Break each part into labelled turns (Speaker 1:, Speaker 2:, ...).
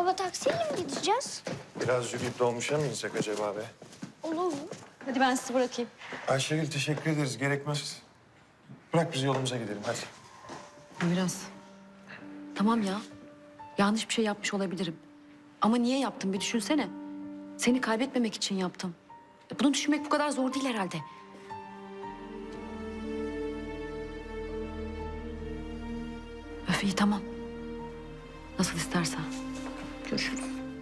Speaker 1: Baba taksiyle mi gideceğiz?
Speaker 2: Biraz yürüyüp dolmuşa mı insek acaba be?
Speaker 1: Olur mu?
Speaker 3: Hadi ben sizi bırakayım.
Speaker 2: Ayşegül teşekkür ederiz. Gerekmez. Bırak biz yolumuza gidelim hadi.
Speaker 3: Biraz. Tamam ya. Yanlış bir şey yapmış olabilirim. Ama niye yaptım bir düşünsene. Seni kaybetmemek için yaptım. Bunu düşünmek bu kadar zor değil herhalde. Öf iyi tamam. Nasıl istersen. Görüşürüz.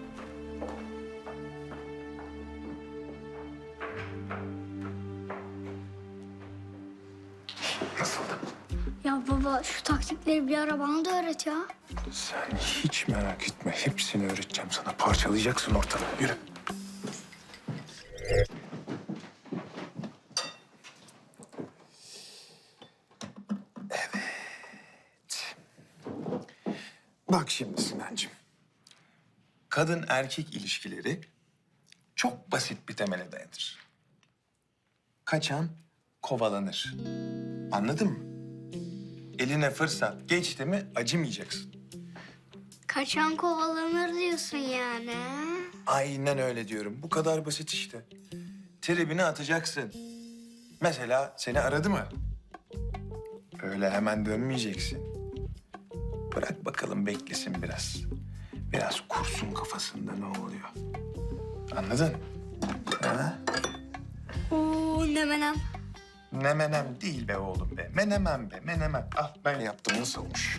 Speaker 2: Nasıldı?
Speaker 1: Ya baba şu taktikleri bir ara bana da öğret ya.
Speaker 2: Sen hiç merak etme. Hepsini öğreteceğim sana. Parçalayacaksın ortalığı. Yürü. Evet. Bak şimdi Sinancığım. Kadın erkek ilişkileri çok basit bir temele dayanır. Kaçan kovalanır. Anladın mı? Eline fırsat geçti mi acımayacaksın.
Speaker 1: Kaçan kovalanır diyorsun yani.
Speaker 2: Aynen öyle diyorum. Bu kadar basit işte. Tribini atacaksın. Mesela seni aradı mı? Öyle hemen dönmeyeceksin. Bırak bakalım beklesin biraz. Biraz kursun kafasında ne oluyor. Anladın? Ha?
Speaker 1: Oo ne menem.
Speaker 2: Ne menem değil be oğlum be. Menemen be, menemen. Al ben yaptım. Nasıl olmuş?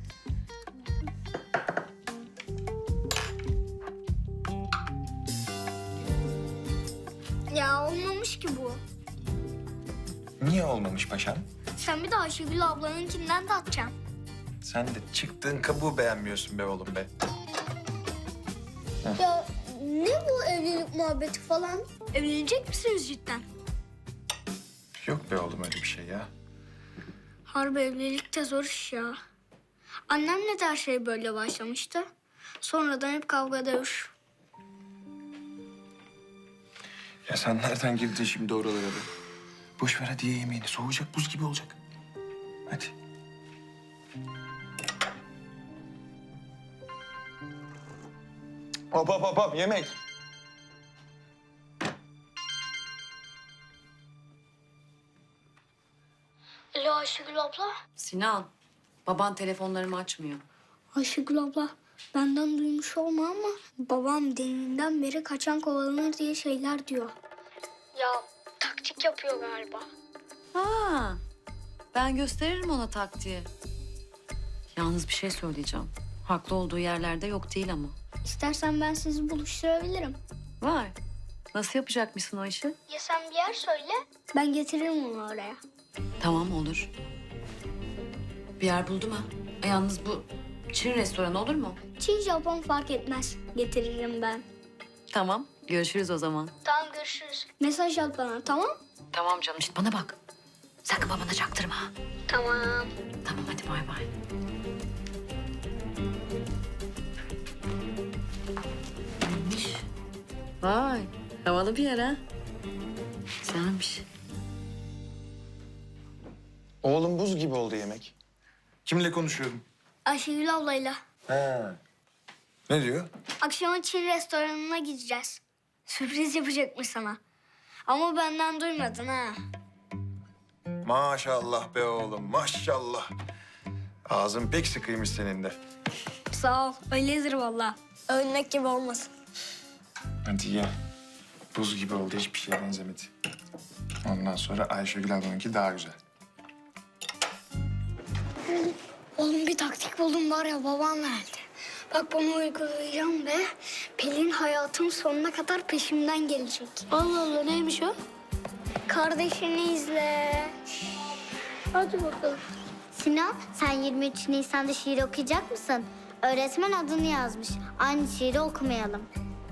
Speaker 1: Ya olmamış ki bu.
Speaker 2: Niye olmamış paşam?
Speaker 1: Sen bir de Ayşegül ablanınkinden de atacaksın.
Speaker 2: Sen de çıktığın kabuğu beğenmiyorsun be oğlum be.
Speaker 1: Ya ne bu evlilik muhabbeti falan? Evlenecek misiniz cidden?
Speaker 2: Yok be oğlum öyle bir şey ya.
Speaker 1: Harbi evlilik de zor iş ya. Annemle de her şey böyle başlamıştı. Sonradan hep kavga dövüş.
Speaker 2: Ya sen nereden girdin şimdi oralara be? Boş ver hadi ye yemeğini. Soğuyacak, buz gibi olacak. Hadi. Hop hop hop hop yemek.
Speaker 1: Alo Ayşegül abla.
Speaker 3: Sinan, baban telefonlarımı açmıyor.
Speaker 1: Ayşegül abla benden duymuş olma ama babam deminden beri kaçan kovalanır diye şeyler diyor. Ya taktik yapıyor galiba.
Speaker 3: Ha, ben gösteririm ona taktiği. Yalnız bir şey söyleyeceğim. Haklı olduğu yerlerde yok değil ama.
Speaker 1: İstersen ben sizi buluşturabilirim.
Speaker 3: Var. Nasıl yapacakmışsın o işi?
Speaker 1: Ya sen bir yer söyle. Ben getiririm onu oraya.
Speaker 3: Tamam olur. Bir yer buldum ha. Yalnız bu Çin restoranı olur mu?
Speaker 1: Çin Japon fark etmez. Getiririm ben.
Speaker 3: Tamam. Görüşürüz o zaman.
Speaker 1: Tamam görüşürüz. Mesaj at bana tamam?
Speaker 3: Tamam canım. İşte bana bak. Sakın babana çaktırma.
Speaker 1: Tamam.
Speaker 3: Tamam hadi bay bay. Neymiş? Vay. Havalı bir yer ha. Güzelmiş.
Speaker 2: Oğlum buz gibi oldu yemek. Kimle konuşuyorum?
Speaker 1: Ayşegül ablayla.
Speaker 2: Ha. Ne diyor?
Speaker 1: Akşama Çin restoranına gideceğiz. Sürpriz yapacakmış sana. Ama benden duymadın ha.
Speaker 2: Maşallah be oğlum maşallah. Ağzın pek sıkıymış senin de.
Speaker 1: Sağ ol. Öyledir valla. Övünmek gibi olmasın.
Speaker 2: Hadi ye. Buz gibi oldu hiçbir şeye benzemedi. Ondan sonra Ayşegül ablanınki daha güzel.
Speaker 1: Oğlum bir taktik buldum var ya babam verdi. Bak bunu uygulayacağım ve Pelin hayatım sonuna kadar peşimden gelecek. Allah Allah neymiş o? Kardeşini izle. Hadi bakalım.
Speaker 4: Sinan, sen 23 Nisan'da şiir okuyacak mısın? Öğretmen adını yazmış. Aynı şiiri okumayalım.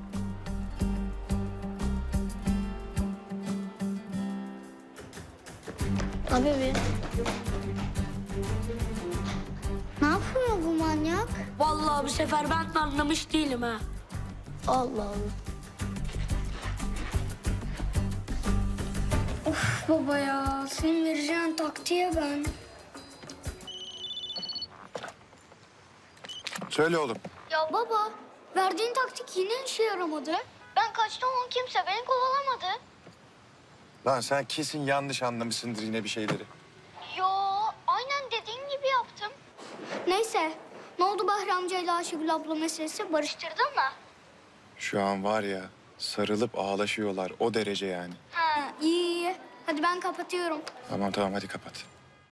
Speaker 1: Tabii mi?
Speaker 4: Ne yapıyor bu manyak?
Speaker 1: Vallahi bu sefer ben de anlamış değilim ha. Allah Allah. Of baba ya, senin vereceğin taktiğe ben.
Speaker 2: Söyle oğlum.
Speaker 1: Ya baba, Verdiğin taktik yine işe yaramadı. Ben kaçtım ama kimse beni kovalamadı.
Speaker 2: Lan sen kesin yanlış anlamışsındır yine bir şeyleri.
Speaker 1: Yo, aynen dediğin gibi yaptım. Neyse, ne oldu Bahri amcayla Ayşegül abla meselesi? Barıştırdın mı?
Speaker 2: Şu an var ya sarılıp ağlaşıyorlar o derece yani.
Speaker 1: Ha, iyi iyi. Hadi ben kapatıyorum.
Speaker 2: Tamam hadi kapat.